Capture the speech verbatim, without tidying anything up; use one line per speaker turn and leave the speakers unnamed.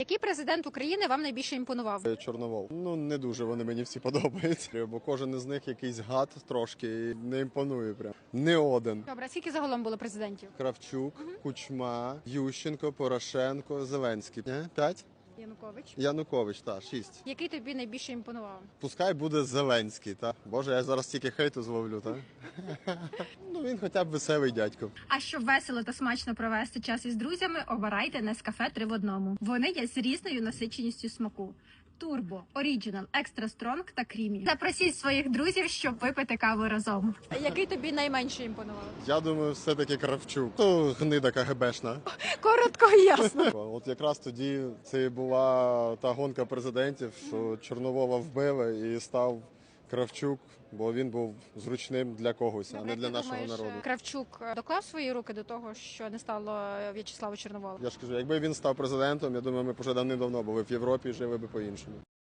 Який президент України вам найбільше імпонував?
Чорновол. Ну, не дуже вони мені всі подобаються, бо кожен із них якийсь гад трошки і не імпонує прям. Не один.
Добре, а скільки загалом було президентів?
Кравчук, Кучма, Ющенко, Порошенко, Зеленський. Не? П'ять?
Янукович.
Янукович, так, шість.
Який тобі найбільше імпонував?
Пускай буде Зеленський, так? Боже, я зараз тільки хейту зловлю, так? Ну, він хоча б веселий дядько.
А щоб весело та смачно провести час із друзями, обирайте Нескафе три в одному. Вони є з різною насиченістю смаку. Турбо, Оріджинал, Екстра Стронг та Крімі. Запросіть своїх друзів, щоб випити каву разом. Який тобі найменше імпонував?
Я думаю, все-таки Кравчук. То гнида КГБшна.
Коротко і ясно.
От якраз тоді це і була та гонка президентів, що Чорновола вбили і став Кравчук, бо він був зручним для когось, а не для
Ти
нашого
думаєш,
народу.
Кравчук доклав свої руки до того, що не стало В'ячеслава Чорновола?
Я ж кажу, якби він став президентом, я думаю, ми б вже давним-давно були в Європі і жили би по-іншому.